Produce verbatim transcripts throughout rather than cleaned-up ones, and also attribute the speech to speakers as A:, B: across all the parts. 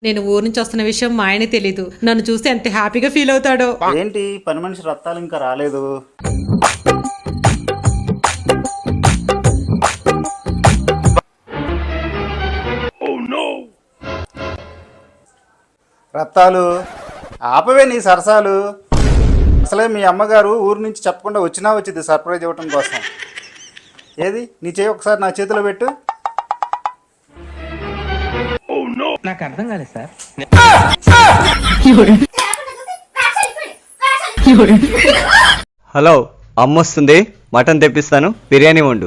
A: నేను ఊరు నుంచి వస్తున్న విషయం మా ఆయన తెలీదు. నన్ను చూస్తే ఎంత హ్యాపీగా ఫీల్ అవుతాడో.
B: ఏంటి పని మనిషి రత్తాలు ఇంకా రాలేదు? రత్తాలు ఆపవే నీ సరసాలు. అసలే మీ అమ్మగారు ఊరు నుంచి చెప్పకుండా వచ్చినా వచ్చింది సర్ప్రైజ్ ఇవ్వటం కోసం. ఏది నీ చేయి ఒకసారి నా చేతిలో పెట్టు.
C: నాకు అర్థం కాలేదు సార్.
D: హలో, అమ్మ వస్తుంది, మటన్ తెప్పిస్తాను, బిర్యానీ వండు.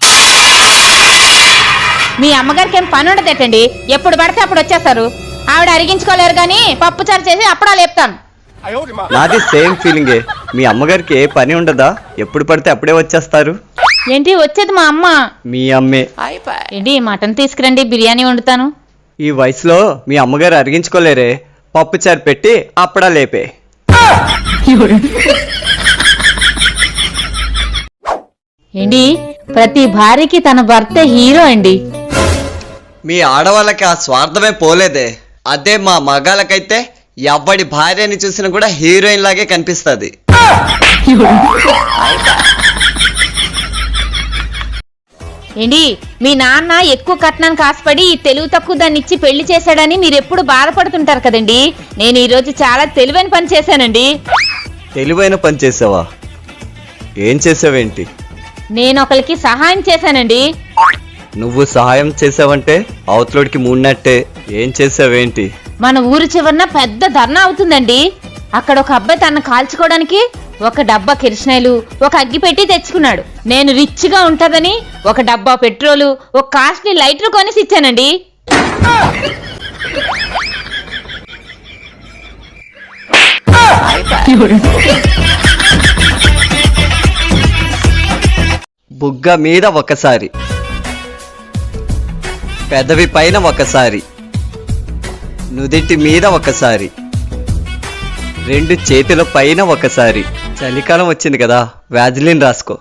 E: మీ అమ్మగారికి ఏం పని ఉండదేటండి, ఎప్పుడు పడితే అప్పుడు వచ్చేస్తారు. ఆవిడ అరిగించుకోలేరు కానీ పప్పు చారు చేసి అప్పుడా లేపుతాను.
D: నాది సేమ్ ఫీలింగే. మీ అమ్మగారికి ఏ పని ఉండదా? ఎప్పుడు పడితే అప్పుడే వచ్చేస్తారు.
E: ఏంటి వచ్చేది మా అమ్మ?
D: మీ అమ్మే.
E: ఏంటి మటన్ తీసుకురండి, బిర్యానీ వండుతాను.
D: ఈ వయసులో మీ అమ్మగారు అరిగించుకోలేరే, పప్పు చారు పెట్టి అప్పుడా లేపే.
E: ఏంటి ప్రతి భార్యకి తన భర్త హీరో అండి.
D: మీ ఆడవాళ్ళకి ఆ స్వార్థమే పోలేదే. అదే మా మగాళ్ళకైతే ఎవడి భార్యని చూసినా కూడా హీరోయిన్ లాగే కనిపిస్తుంది.
E: ఏంటి మీ నాన్న ఎక్కువ కట్నానికి ఆశపడి తెలుగు తక్కువ దాన్ని ఇచ్చి పెళ్లి చేశాడని మీరు ఎప్పుడు బాధపడుతుంటారు కదండి. నేను ఈ రోజు చాలా తెలివైన పని చేశానండి.
D: తెలివైన పని చేసావా? ఏం చేసావేంటి?
E: నేను ఒకరికి సహాయం చేశానండి.
D: నువ్వు సహాయం చేసావంటే అవతలోడికి మూడినట్టే. ఏం చేసావేంటి?
E: మన ఊరు చివరన పెద్ద ధర్నా అవుతుందండి. అక్కడ ఒక అబ్బాయి తన కాల్చుకోవడానికి ఒక డబ్బా కిరసనాయిలు, ఒక అగ్గి పెట్టి తెచ్చుకున్నాడు. నేను రిచ్ గా ఉంటదని ఒక డబ్బా పెట్రోలు, ఒక కాస్ట్లీ లైటర్ కొనేసి ఇచ్చానండి.
D: బుగ్గ మీద ఒకసారి, పెదవి పైన ఒకసారి, నుదిటి మీద ఒకసారి, రెండు చేతుల పైన ఒకసారి. చలికాలం వచ్చింది కదా, వ్యాజిలిన్ రాసుకో.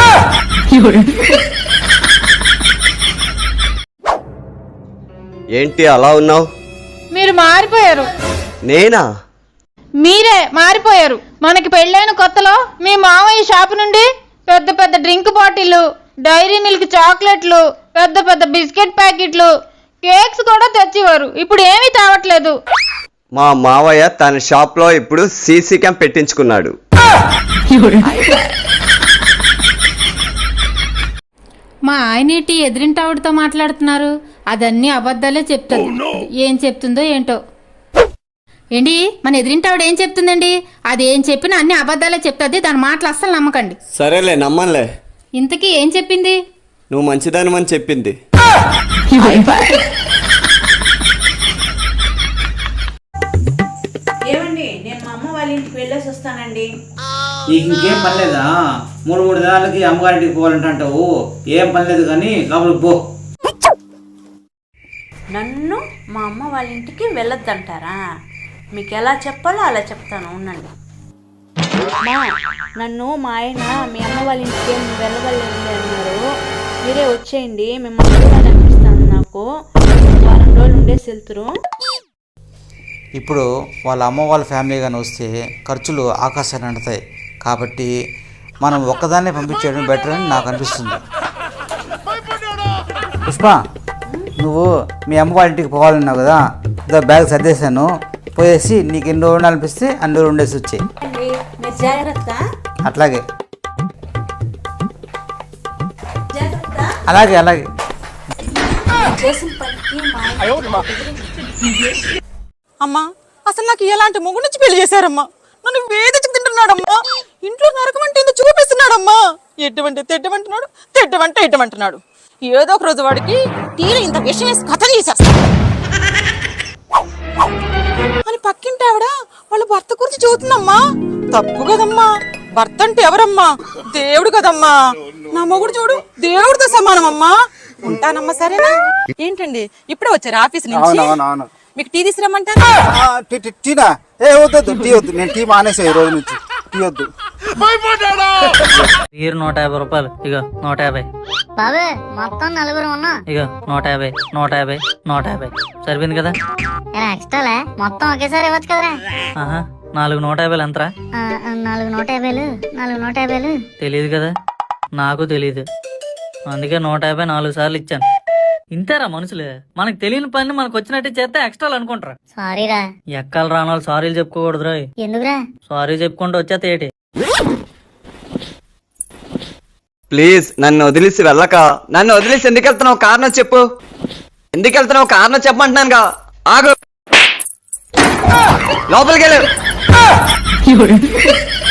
D: ఏంటి అలా ఉన్నావు?
E: మీరు మారిపోయారు.
D: నేనా?
E: మీరే మారిపోయారు. మనకి పెళ్ళైన కొత్తలో మీ మామయ్య షాపు నుండి పెద్ద పెద్ద డ్రింక్ బాటిళ్లు, డైరీ మిల్క్ చాక్లెట్లు, పెద్ద పెద్ద బిస్కెట్ ప్యాకెట్లు, కేక్స్ కూడా తెచ్చేవారు. ఇప్పుడు ఏమీ తేవట్లేదు.
D: మా మావయ్య తన షాప్ లో ఇప్పుడు సీసీ క్యామ్ పెట్టించుకున్నాడు.
F: మా ఆయనేటి ఎదిరింటావిడతో మాట్లాడుతున్నారు. అదన్నీ అబద్ధాలే చెప్తుంది. ఏం చెప్తుందో ఏంటో. ఏంటి మన ఎదిరింటావిడ ఏం చెప్తుందండి? అది ఏం చెప్పినా అన్ని అబద్ధాలే చెప్తుంది. దాని మాటలు అస్సలు నమ్మకండి.
D: సరేలే, నమ్మలే.
F: ఇంతకీ ఏం చెప్పింది?
D: నువ్వు మంచిదానివని చెప్పింది.
G: ఏమండి, నేను మా అమ్మ వాళ్ళ ఇంటికి వెళ్ళేసి వస్తానండి.
C: నీకు ఇంకేం పని లేదా? మూడు మూడు దినాలకి అమ్మగారింటికి పోవాలంటావు. ఏం పని లేదు కానీ లోపలికి పో.
G: నన్ను మా అమ్మ వాళ్ళ ఇంటికి వెళ్ళొద్దంటారా? మీకు ఎలా చెప్పాలో అలా చెప్తాను, ఉండండి. మా నన్ను మా ఆయన మీ అమ్మ వాళ్ళ ఇంటికి ఏం వెళ్ళగలేదు అన్నారు. మీరే వచ్చేయండి, మిమ్మల్ని చూడాలనిపిస్తాను. నాకు వారం రోజులు ఉండేసి వెళ్తురు.
B: ఇప్పుడు వాళ్ళ అమ్మ వాళ్ళ ఫ్యామిలీ కానీ వస్తే ఖర్చులు ఆకాశాన్ని అంటుతాయి. కాబట్టి మనం ఒక్కదాన్నే పంపించేయడం బెటర్ అని నాకు అనిపిస్తుంది. పుష్ప, నువ్వు మీ అమ్మ వాళ్ళ ఇంటికి పోవాలన్నావు కదా, ఇదో బ్యాగ్ సర్దేశాను. పోయేసి నీకు ఎన్ని రోజులు అనిపిస్తే అన్ని రోజులు ఉండేసి వచ్చాయి.
G: మీరు జాగ్రత్త.
B: అట్లాగే
G: జాగ్రత్త.
B: అలాగే అలాగే
G: చేసిన పనికి మా
H: అమ్మా, అసలు నాకు ఎలాంటి మొగ్గు నుంచి పెళ్లి చేశారమ్మా? నన్ను వేధించి తింటున్నాడమ్మా. ఇంట్లో నరకం అంటే ఇంత చూపిస్తున్నాడమ్మా. ఎటువంటి తెట్టమంటున్నాడు, తెట్టమంటే ఎట్టమంటున్నాడు. ఏదో ఒక రోజు వాడికి టీలో ఇంత విషయం వేసి కథ చేసేస్తాడు అని పక్కింటి ఆవిడ వాళ్ళ భర్త గురించి చూస్తుందమ్మా. తప్పు కదమ్మా. భర్త అంటే ఎవరమ్మా? దేవుడు కదమ్మా. నా మొగుడు చూడు, దేవుడితో సమానమమ్మా. ఉంటానమ్మా, సరేనా? ఏంటండి ఇప్పుడే వచ్చారు ఆఫీస్ నుంచి? మీకు టీ తీసుకురమ్మంటారా?
B: టీనా? ఏ వద్దు, టీ వద్దు. నేను టీ మానేసా ఈ రోజు నుంచి. తీయొద్దు.
I: మీరు నూట యాభై రూపాయలు ఇగో నూట యాభై
J: బాబే మొత్తం నలుగురు ఉన్నా
I: ఇగో నూట యాభై నూట యాభై నూట యాభై సరిపోయింది కదా.
J: ఎక్స్ట్రాలే మొత్తం ఒకేసారి ఇవ్వచ్చు కదరా.
I: ఆహా నాలుగు నూట యాభైలు ఎంతరా?
J: ఆ, నాలుగు నూట యాభైలు నాలుగు నూట యాభైలు
I: తెలియదు కదా, నాకు తెలియదు, అందుకే నూట యాభై నాలుగు సార్లు ఇచ్చాను. ఇంతేరా మనుషులు, మనకు తెలియని పని మనకు వచ్చినట్టు చేస్తే ఎక్స్ట్రాలు అనుకుంటారా.
J: సారీరా.
I: ఎక్కలు రాని వాళ్ళు సారీలు చెప్పుకోకూడదురా.
J: ఎందుకురా?
I: సారీ చెప్పుకుంటూ వచ్చేస్తే ఏంటి?
D: ప్లీజ్ నన్ను వదిలేసి వెళ్ళక. నన్ను వదిలేసి ఎందుకు వెళ్తున్నావు? కారణం చెప్పు. ఎందుకు వెళ్తున్నావు? కారణం చెప్పమంటున్నానుగా. ఆగు, లోపలికి వెళ్ళు.